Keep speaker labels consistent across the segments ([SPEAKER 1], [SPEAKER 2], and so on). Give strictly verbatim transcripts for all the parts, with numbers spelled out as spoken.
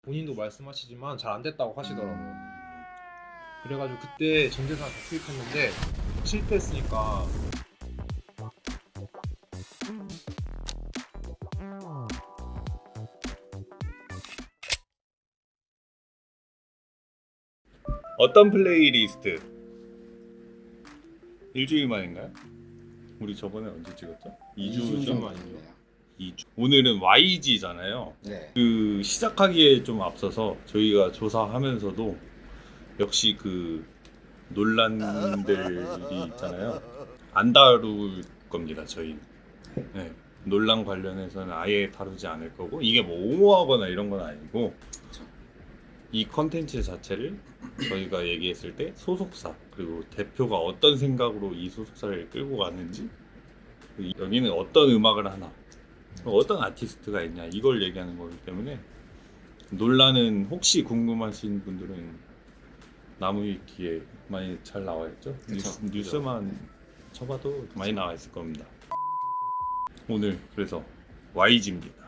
[SPEAKER 1] 본인도 말씀하시지만 잘 안 됐다고 하시더라고요. 그래가지고 그때 전재산 다 투입했는데 실패했으니까
[SPEAKER 2] 어떤 플레이리스트? 일주일 만인가요? 우리 저번에 언제 찍었죠? 이 주 전
[SPEAKER 1] 만이네요.
[SPEAKER 2] 이 주. 오늘은 와이지잖아요.
[SPEAKER 3] 네.
[SPEAKER 2] 그 시작하기에 좀 앞서서 저희가 조사하면서도 역시 그 논란들이 있잖아요. 안 다룰 겁니다, 저희는. 네. 논란 관련해서는 아예 다루지 않을 거고, 이게 뭐 옹호하거나 이런 건 아니고, 이 컨텐츠 자체를 저희가 얘기했을 때 소속사 그리고 대표가 어떤 생각으로 이 소속사를 끌고 가는지, 여기는 어떤 음악을 하나, 어떤 아티스트가 있냐, 이걸 얘기하는 거기 때문에 논란은 혹시 궁금하신 분들은 나무위키에 많이 잘 나와 있죠. 뉴스, 뉴스만 쳐봐도 많이 나와 있을 겁니다. 오늘 그래서 와이지입니다.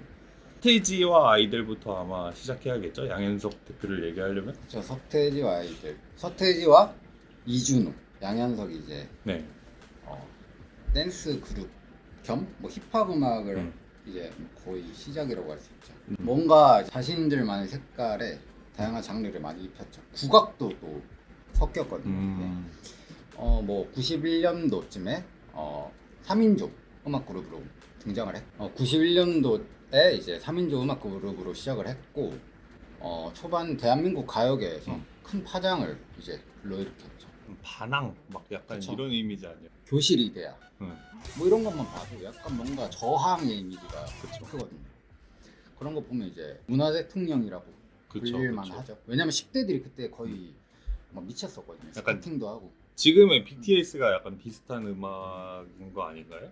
[SPEAKER 2] 서태지와 아이들부터 아마 시작해야겠죠. 양현석 대표를 얘기하려면.
[SPEAKER 3] 저 서태지와 아이들, 서태지와 이준우, 양현석이 이제
[SPEAKER 2] 네.
[SPEAKER 3] 어, 댄스 그룹 겸 뭐 힙합 음악을
[SPEAKER 2] 음.
[SPEAKER 3] 이제 거의 시작이라고 할 수 있죠.
[SPEAKER 2] 음.
[SPEAKER 3] 뭔가 자신들만의 색깔에 다양한 장르를 많이 입혔죠. 국악도 또 섞였거든요.
[SPEAKER 2] 음.
[SPEAKER 3] 어, 뭐 구십일 년도쯤에 어, 삼 인조 음악 그룹으로 등장을 했. 어, 구십일 년도에 이제 삼 인조 음악 그룹으로 시작을 했고, 어, 초반 대한민국 가요계에서
[SPEAKER 2] 음.
[SPEAKER 3] 큰 파장을 이제 불러일으켰죠.
[SPEAKER 2] 반항 막 약간
[SPEAKER 3] 그쵸.
[SPEAKER 2] 이런 이미지 아니에요?
[SPEAKER 3] 교실 이데아
[SPEAKER 2] 응.
[SPEAKER 3] 뭐 이런 것만 봐도 약간 뭔가 저항의 이미지가
[SPEAKER 2] 그쵸.
[SPEAKER 3] 크거든요. 그런 거 보면 이제 문화 대통령이라고
[SPEAKER 2] 그쵸,
[SPEAKER 3] 불릴만
[SPEAKER 2] 그쵸.
[SPEAKER 3] 하죠. 왜냐면 십 대들이 그때 거의 막 미쳤었거든요.
[SPEAKER 2] 약간
[SPEAKER 3] 스케이팅도 하고.
[SPEAKER 2] 지금의 비티에스가 약간 비슷한 음악인 거 아닌가요?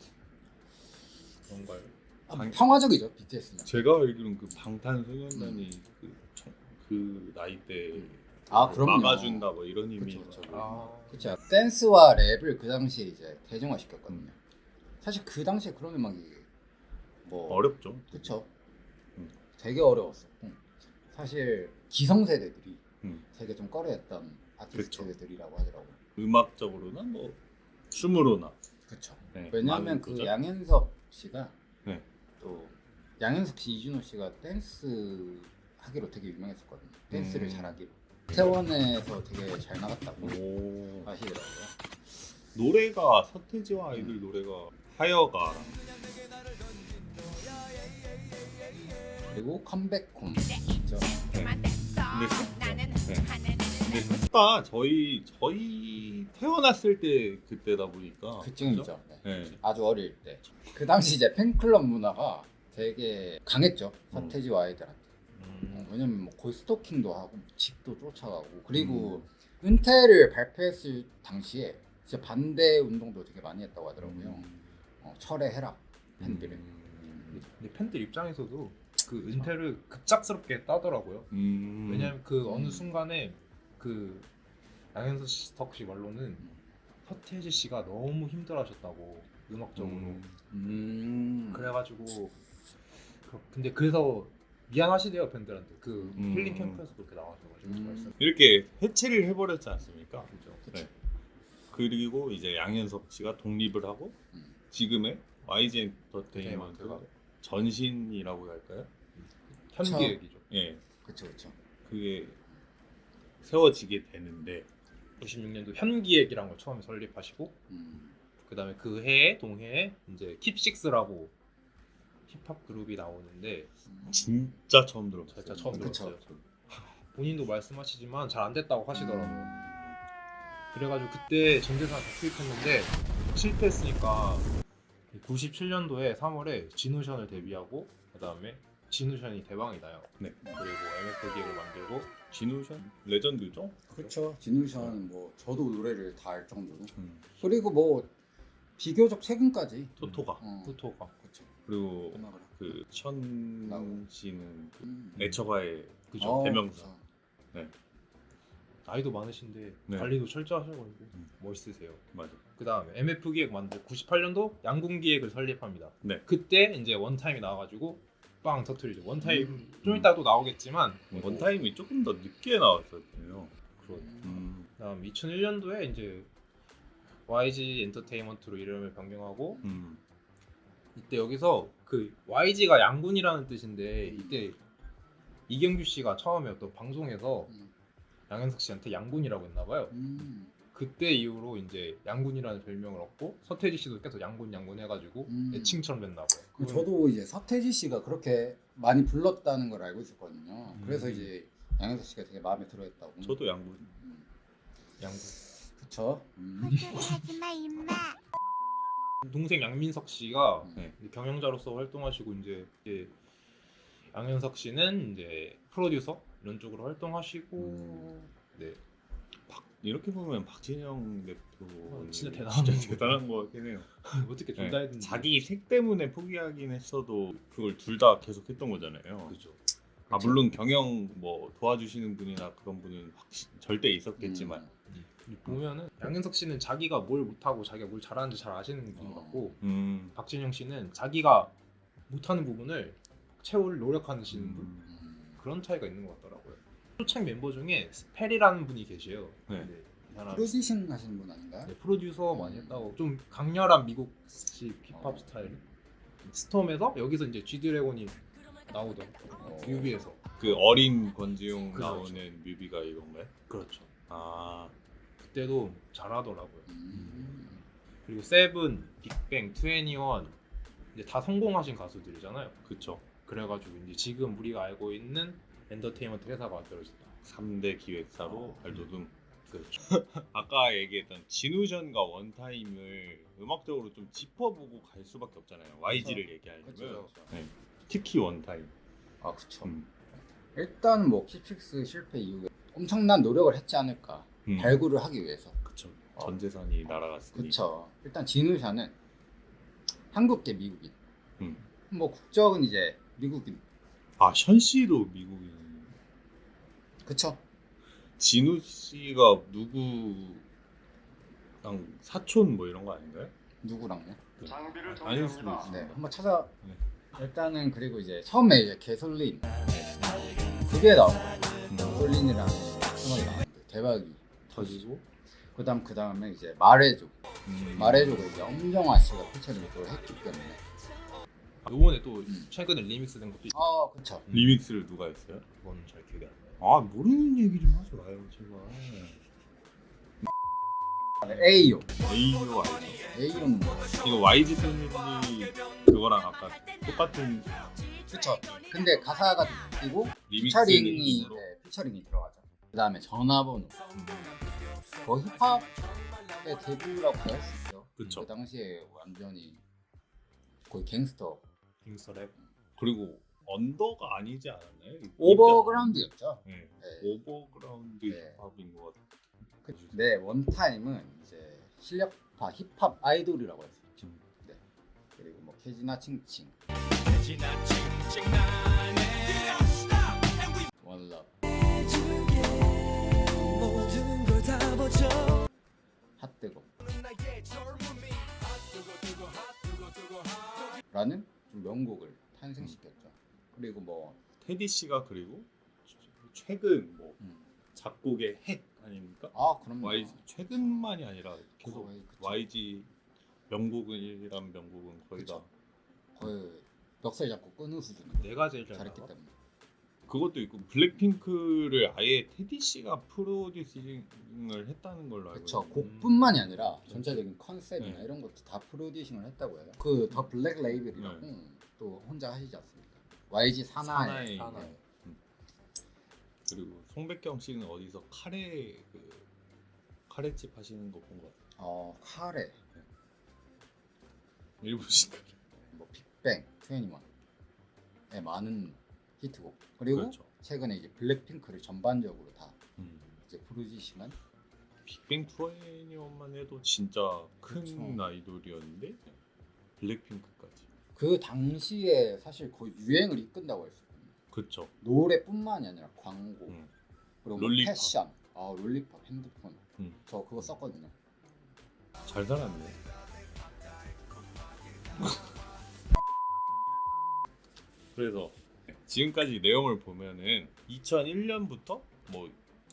[SPEAKER 1] 그런가요?
[SPEAKER 3] 아,
[SPEAKER 2] 방-
[SPEAKER 3] 평화적이죠 비티에스는.
[SPEAKER 2] 제가 알기로는 그 방탄소년단이 그, 그 나이 때
[SPEAKER 3] 아, 그럼요.
[SPEAKER 2] 막아준다 뭐 이런
[SPEAKER 3] 그쵸,
[SPEAKER 2] 의미.
[SPEAKER 3] 그쵸.
[SPEAKER 1] 아,
[SPEAKER 3] 그렇죠. 댄스와 랩을 그 당시에 이제 대중화 시켰거든요. 사실 그 당시에 그런 음악이 뭐
[SPEAKER 2] 어렵죠.
[SPEAKER 3] 그쵸.
[SPEAKER 2] 음.
[SPEAKER 3] 되게 어려웠었고 사실 기성세대들이
[SPEAKER 2] 음.
[SPEAKER 3] 되게 좀 꺼려했던 아티스트들이라고 하더라고요.
[SPEAKER 2] 음악적으로나 뭐 춤으로나.
[SPEAKER 3] 그렇죠.
[SPEAKER 2] 네,
[SPEAKER 3] 왜냐하면
[SPEAKER 2] 많은
[SPEAKER 3] 그
[SPEAKER 2] 거죠.
[SPEAKER 3] 양현석 씨가
[SPEAKER 2] 네.
[SPEAKER 3] 또 양현석 씨, 이준호 씨가 댄스 하기로 되게 유명했었거든요. 댄스를
[SPEAKER 2] 음.
[SPEAKER 3] 잘하기로. 태원에서 되게 잘 나갔다고
[SPEAKER 2] 오.
[SPEAKER 3] 하시더라고요.
[SPEAKER 2] 노래가 서태지와 아이들 노래가 하여가
[SPEAKER 3] 그리고 컴백홈 있죠.
[SPEAKER 2] 네. 근데 네. 근데 셋다 저희 저희 태어났을 때 그때다 보니까
[SPEAKER 3] 그쯤이죠. 네.
[SPEAKER 2] 네.
[SPEAKER 3] 아주 어릴 때. 그 당시 이제 팬클럽 문화가 되게 강했죠.
[SPEAKER 2] 음.
[SPEAKER 3] 서태지와 아이들한테.
[SPEAKER 1] 음,
[SPEAKER 3] 왜냐면 뭐 거의 스토킹도 하고 집도 쫓아가고 그리고
[SPEAKER 2] 음.
[SPEAKER 3] 은퇴를 발표했을 당시에 진짜 반대 운동도 되게 많이 했다고 하더라고요.
[SPEAKER 2] 음.
[SPEAKER 3] 어, 철회해라 팬들을.
[SPEAKER 2] 음.
[SPEAKER 1] 근데 팬들 입장에서도 그 은퇴를 급작스럽게 따더라고요.
[SPEAKER 2] 음.
[SPEAKER 1] 왜냐면 그
[SPEAKER 3] 음.
[SPEAKER 1] 어느 순간에 그 양현석 씨 말로는 서태지 씨가 너무 힘들어하셨다고 음악적으로.
[SPEAKER 2] 음.
[SPEAKER 3] 음.
[SPEAKER 1] 그래가지고 그- 근데 그래서 미안하시대요 팬들한테. 그
[SPEAKER 2] 음.
[SPEAKER 1] 힐링 캠프에서 그렇게 나와셔가지고
[SPEAKER 3] 음.
[SPEAKER 1] 말씀.
[SPEAKER 2] 이렇게 해체를 해버렸지 않습니까?
[SPEAKER 1] 그죠.
[SPEAKER 2] 네. 그리고 이제 양현석 씨가 독립을 하고
[SPEAKER 3] 음.
[SPEAKER 2] 지금의 와이지 엔터테인먼트
[SPEAKER 1] 엔터테인먼트가
[SPEAKER 2] 전신이라고 할까요?
[SPEAKER 1] 현기획이죠.
[SPEAKER 2] 예,
[SPEAKER 3] 그렇죠, 그렇죠.
[SPEAKER 2] 그게 세워지게 되는데
[SPEAKER 1] 구십육 년도 현기획이란 걸 처음에 설립하시고
[SPEAKER 3] 음.
[SPEAKER 1] 그 다음에 그 해에 동해에 이제 킵식스라고 힙합 그룹이 나오는데
[SPEAKER 2] 진짜 처음 들어봤어요.
[SPEAKER 1] 진짜 처음
[SPEAKER 3] 그쵸.
[SPEAKER 1] 들었어요. 본인도 말씀하시지만 잘 안 됐다고 하시더라고요. 그래가지고 그때 전재산 다 투입했는데 실패했으니까 구십칠 년도에 삼월에 진우션을 데뷔하고 그 다음에 진우션이 대박이 나요.
[SPEAKER 2] 네.
[SPEAKER 1] 그리고 엠에프 기획을 만들고
[SPEAKER 2] 진우션 레전드죠.
[SPEAKER 3] 그렇죠. 진우션은 뭐 저도 노래를 다 알 정도로.
[SPEAKER 2] 음.
[SPEAKER 3] 그리고 뭐 비교적 최근까지
[SPEAKER 2] 토토가
[SPEAKER 3] 어,
[SPEAKER 1] 후토가
[SPEAKER 3] 그렇죠.
[SPEAKER 2] 그리고
[SPEAKER 3] 음악을
[SPEAKER 2] 그 천 씨는 그
[SPEAKER 3] 음.
[SPEAKER 2] 애처가의
[SPEAKER 1] 그죠.
[SPEAKER 3] 어,
[SPEAKER 2] 대명사.
[SPEAKER 3] 그렇죠.
[SPEAKER 1] 나이도 많으신데
[SPEAKER 2] 네.
[SPEAKER 1] 관리도 철저하셔가지고
[SPEAKER 2] 음.
[SPEAKER 1] 멋있으세요.
[SPEAKER 2] 맞아.
[SPEAKER 1] 그 다음에 엠에프 기획 만들 구십팔 년도 양궁 기획을 설립합니다.
[SPEAKER 2] 네.
[SPEAKER 1] 그때 이제 원타임이 나와가지고 빵 터트리죠. 원타임
[SPEAKER 3] 음.
[SPEAKER 1] 좀 이따 또 나오겠지만
[SPEAKER 2] 원타임이 조금 더 늦게 나왔었네요.
[SPEAKER 1] 그런.
[SPEAKER 2] 음,
[SPEAKER 1] 그다음 이천일 년도에 이제 와이지 엔터테인먼트로 이름을 변경하고
[SPEAKER 2] 음.
[SPEAKER 1] 이때 여기서 그 와이지가 양군이라는 뜻인데 이때 이경규 씨가 처음에 어떤 방송에서
[SPEAKER 3] 음.
[SPEAKER 1] 양현석 씨한테 양군이라고 했나 봐요.
[SPEAKER 3] 음.
[SPEAKER 1] 그때 이후로 이제 양군이라는 별명을 얻고 서태지 씨도 계속 양군 양군 해가지고
[SPEAKER 3] 음.
[SPEAKER 1] 애칭처럼 됐나 봐요.
[SPEAKER 3] 그 저도 이제 서태지 씨가 그렇게 많이 불렀다는 걸 알고 있었거든요.
[SPEAKER 1] 음.
[SPEAKER 3] 그래서 이제 양현석 씨가 되게 마음에 들어했다고.
[SPEAKER 2] 저도 양분.
[SPEAKER 3] 음.
[SPEAKER 1] 양군.
[SPEAKER 3] 그쵸. 음.
[SPEAKER 4] 하지마 임마.
[SPEAKER 1] 동생 양민석 씨가
[SPEAKER 2] 네.
[SPEAKER 1] 경영자로서 활동하시고 이제, 이제 양현석 씨는 이제 프로듀서 이런 쪽으로 활동하시고
[SPEAKER 3] 음.
[SPEAKER 1] 네.
[SPEAKER 2] 박, 이렇게 보면 박진영 대표
[SPEAKER 1] 어, 진짜 대단한
[SPEAKER 2] 진짜
[SPEAKER 1] 거.
[SPEAKER 2] 대단한 거 같긴 해요.
[SPEAKER 1] 어떻게
[SPEAKER 2] 네.
[SPEAKER 1] 둘 다 했는지
[SPEAKER 2] 자기 색 때문에 포기하긴 했어도 그걸 둘 다 계속 했던 거잖아요.
[SPEAKER 1] 그죠.
[SPEAKER 2] 아 물론 경영 뭐 도와주시는 분이나 그런 분은 확실 절대 있었겠지만
[SPEAKER 3] 음.
[SPEAKER 1] 보면은 양현석 씨는 자기가 뭘 못하고 자기가 뭘 잘하는지 잘 아시는 분
[SPEAKER 3] 어.
[SPEAKER 1] 같고
[SPEAKER 2] 음,
[SPEAKER 1] 박진영 씨는 자기가 못하는 부분을 채울 노력하시는 분
[SPEAKER 3] 음.
[SPEAKER 1] 그런 차이가 있는 것 같더라고요. 초창 멤버 중에 스펠이라는 분이 계셔요.
[SPEAKER 2] 네.
[SPEAKER 1] 근데 이 사람
[SPEAKER 3] 프로듀싱 하시는 분 아닌가요?
[SPEAKER 1] 네, 프로듀서 많이
[SPEAKER 3] 음.
[SPEAKER 1] 했다고 좀 강렬한 미국식 힙합
[SPEAKER 3] 어.
[SPEAKER 1] 스타일 스톰에서 여기서 이제 G드래곤이 나오더라고요.
[SPEAKER 3] 어.
[SPEAKER 1] 뮤비에서
[SPEAKER 2] 그 어린 권지용
[SPEAKER 1] 그렇죠.
[SPEAKER 2] 나오는 뮤비가 이건가요?
[SPEAKER 1] 그렇죠.
[SPEAKER 2] 아,
[SPEAKER 1] 그때도 잘하더라고요.
[SPEAKER 3] 음.
[SPEAKER 1] 그리고 세븐, 빅뱅, 투애니원 이제 다 성공하신 가수들이잖아요.
[SPEAKER 2] 그쵸.
[SPEAKER 1] 그래가지고 이제 지금 우리가 알고 있는 엔터테인먼트 회사가 만들어졌다.
[SPEAKER 2] 삼 대 기획사로 발돋움.
[SPEAKER 1] 그렇죠.
[SPEAKER 2] 아까 얘기했던 진우전과 원타임을 음악적으로 좀 짚어보고 갈 수밖에 없잖아요. 와이지를 얘기하려면
[SPEAKER 3] 그쵸.
[SPEAKER 2] 네. 특히 원타임.
[SPEAKER 3] 아 그쵸.
[SPEAKER 2] 음.
[SPEAKER 3] 일단 뭐 킵식스 실패 이후에 엄청난 노력을 했지 않을까.
[SPEAKER 2] 음.
[SPEAKER 3] 발굴을 하기 위해서.
[SPEAKER 2] 그쵸.
[SPEAKER 3] 어.
[SPEAKER 2] 전 재산이 날아갔으니.
[SPEAKER 3] 그쵸. 일단 진우샤는 한국계 미국인.
[SPEAKER 2] 음.
[SPEAKER 3] 뭐 국적은 이제 미국인.
[SPEAKER 2] 아, 션 씨도 미국인.
[SPEAKER 3] 그쵸.
[SPEAKER 2] 진우 씨가 누구랑 사촌 뭐 이런 거 아닌가요?
[SPEAKER 3] 누구랑요?
[SPEAKER 2] 아, 아닐 수도 있어.
[SPEAKER 3] 네, 한번 찾아.
[SPEAKER 2] 네.
[SPEAKER 3] 일단은 그리고 이제 처음에 이제 개솔린 그게 나온 거예요.
[SPEAKER 2] 음.
[SPEAKER 3] 개솔린이라는 음악이 나왔는데 대박이.
[SPEAKER 2] 터지고.
[SPEAKER 3] 그다음 그 다음에 이제 말해줘.
[SPEAKER 2] 음.
[SPEAKER 3] 말해줘가 이제 엄정화 씨가 피처링을 했기 때문에.
[SPEAKER 1] 요번에 또
[SPEAKER 3] 음.
[SPEAKER 1] 최근에 리믹스된 것도 있고
[SPEAKER 3] 아, 그쵸.
[SPEAKER 2] 리믹스를 누가 했어요?
[SPEAKER 1] 그건 잘 기억이 안 나요.
[SPEAKER 2] 아, 모르는 얘기 좀 하지 마요, 제발.
[SPEAKER 3] 에이오.
[SPEAKER 2] 에이오 알죠?
[SPEAKER 3] 에이오는 뭐?
[SPEAKER 2] 이거 와이지 패밀리 그거랑 아까 똑같은
[SPEAKER 3] 그쵸. 근데 가사가 바뀌고
[SPEAKER 2] 리믹스
[SPEAKER 3] 피처링이
[SPEAKER 2] 느낌으로.
[SPEAKER 3] 네, 피처링이 들어가죠. 그 다음에 전화번호. 거 힙합의 데뷔라고 할 수 있죠.
[SPEAKER 2] 그쵸.
[SPEAKER 3] 그 당시에 완전히 거의 갱스터.
[SPEAKER 1] 갱스터랩.
[SPEAKER 2] 그리고 언더가 아니지 않았나요?
[SPEAKER 3] 오버그라운드였죠.
[SPEAKER 2] 네.
[SPEAKER 3] 네.
[SPEAKER 2] 오버그라운드
[SPEAKER 3] 네.
[SPEAKER 2] 힙합인 것 같아요.
[SPEAKER 3] 그, 네, 원타임은 이제 실력파 힙합 아이돌이라고 할 수 있죠.
[SPEAKER 2] 음.
[SPEAKER 3] 네. 그리고 뭐 케지나 칭칭, 원럽, 핫뜨거 라는 좀 명곡을 탄생시켰죠. 그리고 뭐
[SPEAKER 2] 테디 씨가 그리고 최근 뭐
[SPEAKER 3] 음.
[SPEAKER 2] 작곡의 핵 아닙니까?
[SPEAKER 3] 아, 그럼
[SPEAKER 2] 와이지 최근만이 아니라 계속
[SPEAKER 3] 거의 그쵸.
[SPEAKER 2] 와이지 명곡이란 명곡은 거의 다
[SPEAKER 3] 거의 멱살 잡고 끊을 수준으로
[SPEAKER 1] 내가 제일 잘
[SPEAKER 3] 잘했기
[SPEAKER 1] 나가.
[SPEAKER 3] 때문에.
[SPEAKER 2] 그것도 있고 블랙핑크를 아예 테디 씨가 프로듀싱을 했다는 걸로 알고
[SPEAKER 3] 그쵸.
[SPEAKER 2] 있는데
[SPEAKER 3] 곡뿐만이 아니라 전체적인 컨셉이나
[SPEAKER 2] 네.
[SPEAKER 3] 이런 것도 다 프로듀싱을 했다고 해요. 그 더 블랙 레이블이라고
[SPEAKER 2] 네.
[SPEAKER 3] 또 혼자 하시지 않습니까? 와이지 사나이.
[SPEAKER 2] 사나이.
[SPEAKER 1] 사나이.
[SPEAKER 3] 네.
[SPEAKER 2] 그리고 송백경 씨는 어디서 카레 그 카레집 하시는 거 본 거 같아요.
[SPEAKER 3] 어, 카레,
[SPEAKER 2] 일본식 카레.
[SPEAKER 3] 뭐 빅뱅, 투애니원의 많은 히트곡. 그리고
[SPEAKER 2] 그렇죠.
[SPEAKER 3] 최근에 이제 블랙핑크를 전반적으로 다
[SPEAKER 2] 음.
[SPEAKER 3] 이제 프로듀싱한.
[SPEAKER 2] 빅뱅 투애니원만 해도 진짜 큰
[SPEAKER 3] 그렇죠.
[SPEAKER 2] 아이돌이었는데 블랙핑크까지.
[SPEAKER 3] 그 당시에 사실 거의 유행을 이끈다고 할 수 있거든요.
[SPEAKER 2] 그쵸.
[SPEAKER 3] 노래뿐만이 아니라 광고,
[SPEAKER 2] 음.
[SPEAKER 3] 그리고 뭐
[SPEAKER 2] 롤리팝.
[SPEAKER 3] 패션, 아 롤리팝, 핸드폰.
[SPEAKER 2] 음.
[SPEAKER 3] 저 그거 썼거든요.
[SPEAKER 2] 잘 살았네. 그래서 지금까지 내용을 보면은 이천일 년부터 뭐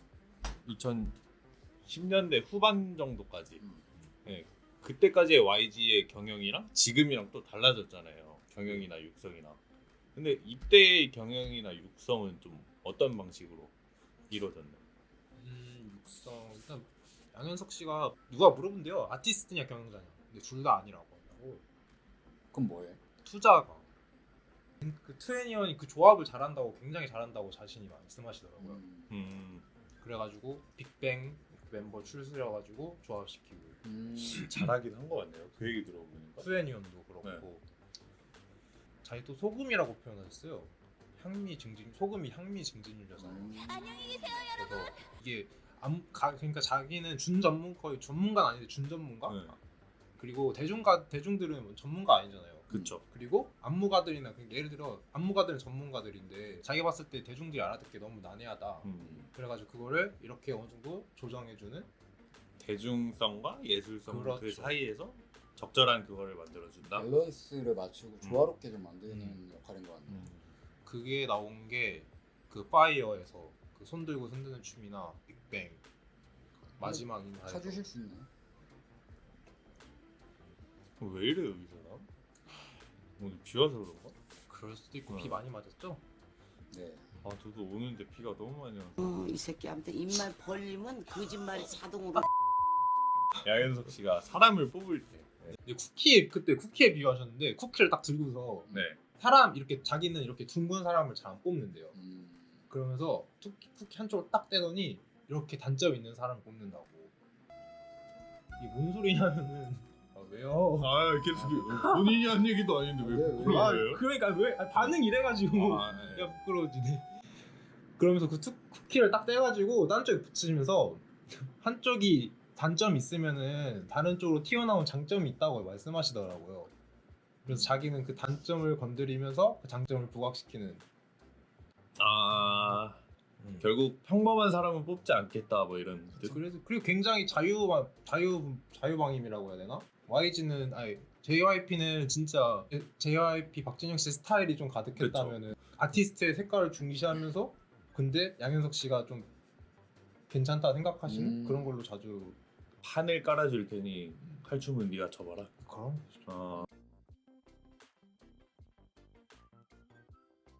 [SPEAKER 2] 이천십 년대 후반 정도까지
[SPEAKER 3] 음.
[SPEAKER 2] 예, 그때까지의 와이지의 경영이랑 지금이랑 또 달라졌잖아요. 경영이나 육성이나. 근데 이때의 경영이나 육성은 좀 어떤 방식으로 이루어졌나요?
[SPEAKER 1] 음, 육성 일단 양현석 씨가 누가 물어본대요. 아티스트냐 경영자냐. 근데 둘 다 아니라고 한다고.
[SPEAKER 3] 그럼 뭐해?
[SPEAKER 1] 투자가 그 트웬티원이 그 조합을 잘한다고 굉장히 잘한다고 자신이 말씀하시더라고요.
[SPEAKER 3] 음.
[SPEAKER 2] 음,
[SPEAKER 1] 그래가지고 빅뱅 멤버 출시해가지고 조합시키고
[SPEAKER 3] 음.
[SPEAKER 2] 잘하긴 한 것 같네요. 그 얘기 들어보니까.
[SPEAKER 1] 트웬티원도 그렇고 자기 또 소금이라고 표현하셨어요. 향미 증진 소금이 향미 증진율이잖아요.
[SPEAKER 3] 음.
[SPEAKER 1] 그래서 이게 암, 가, 그러니까 자기는 준 전문 거의 전문가는 아닌데 준 전문가?
[SPEAKER 2] 네.
[SPEAKER 1] 그리고 대중가 대중들은 뭐 전문가 아니잖아요.
[SPEAKER 2] 그쵸.
[SPEAKER 1] 그리고 안무가들이나 그러니까 예를 들어 안무가들은 전문가들인데 자기 봤을 때 대중들이 알아듣기 너무 난해하다.
[SPEAKER 2] 음,
[SPEAKER 1] 그래가지고 그거를 이렇게 어느 정도 조정해주는
[SPEAKER 2] 대중성과 예술성 그
[SPEAKER 1] 그렇죠.
[SPEAKER 2] 사이에서 적절한 그거를 만들어준다.
[SPEAKER 3] 밸런스를 맞추고 조화롭게 좀 만드는
[SPEAKER 1] 음.
[SPEAKER 3] 역할인 것 같네요.
[SPEAKER 2] 음.
[SPEAKER 1] 그게 나온 게 그 파이어에서 그 손 들고 흔드는 춤이나 빅뱅 마지막 인사에서
[SPEAKER 3] 찾으실 수 있나요?
[SPEAKER 2] 왜 이래요 이 사람? 오늘 비 와서 그런가?
[SPEAKER 1] 그럴 수도 있고
[SPEAKER 2] 어.
[SPEAKER 1] 비 많이 맞았죠?
[SPEAKER 3] 네.
[SPEAKER 2] 아 저도 오는데 비가 너무 많이 와서.
[SPEAKER 4] 어, 이 새끼한테 입만 벌리면 거짓말이 자동으로
[SPEAKER 2] 양현석 씨가 사람을 뽑을 때.
[SPEAKER 1] 근데 쿠키 그때 쿠키에 비유하셨는데 쿠키를 딱 들고서
[SPEAKER 2] 네.
[SPEAKER 1] 사람 이렇게 자기는 이렇게 둥근 사람을 잘 안 뽑는데요.
[SPEAKER 3] 음.
[SPEAKER 1] 그러면서 쿠키, 쿠키 한쪽을 딱 떼더니 이렇게 단점 있는 사람을 뽑는다고. 이게 뭔 소리냐면은 아, 왜요?
[SPEAKER 2] 아 계속 본인이 한 얘기도 아닌데 왜
[SPEAKER 3] 왜, 왜?
[SPEAKER 2] 부끄러워요?
[SPEAKER 1] 아, 그러니까 왜 아, 반응 이래가지고
[SPEAKER 2] 아, 네.
[SPEAKER 1] 야 부끄러워지네. 그러면서 그 투, 쿠키를 딱 떼가지고 딴 쪽에 붙이면서 한쪽이 단점 있으면은 다른 쪽으로 튀어나온 장점이 있다고 말씀하시더라고요. 그래서 자기는 그 단점을 건드리면서 그 장점을 부각시키는.
[SPEAKER 2] 아
[SPEAKER 1] 음.
[SPEAKER 2] 결국 평범한 사람은 뽑지 않겠다 뭐 이런 뜻?
[SPEAKER 1] 그래서 그리고 굉장히 자유 자유 자유방임이라고 해야 되나? 와이지는 아니 제이와이피는 진짜 제이와이피 박진영 씨 스타일이 좀 가득했다면은 아티스트의 색깔을 중시하면서 근데 양현석 씨가 좀 괜찮다 생각하시는
[SPEAKER 3] 음.
[SPEAKER 1] 그런 걸로 자주
[SPEAKER 2] 판을 깔아줄 테니 칼춤은 네가 쳐봐라.
[SPEAKER 1] 그런
[SPEAKER 2] 어,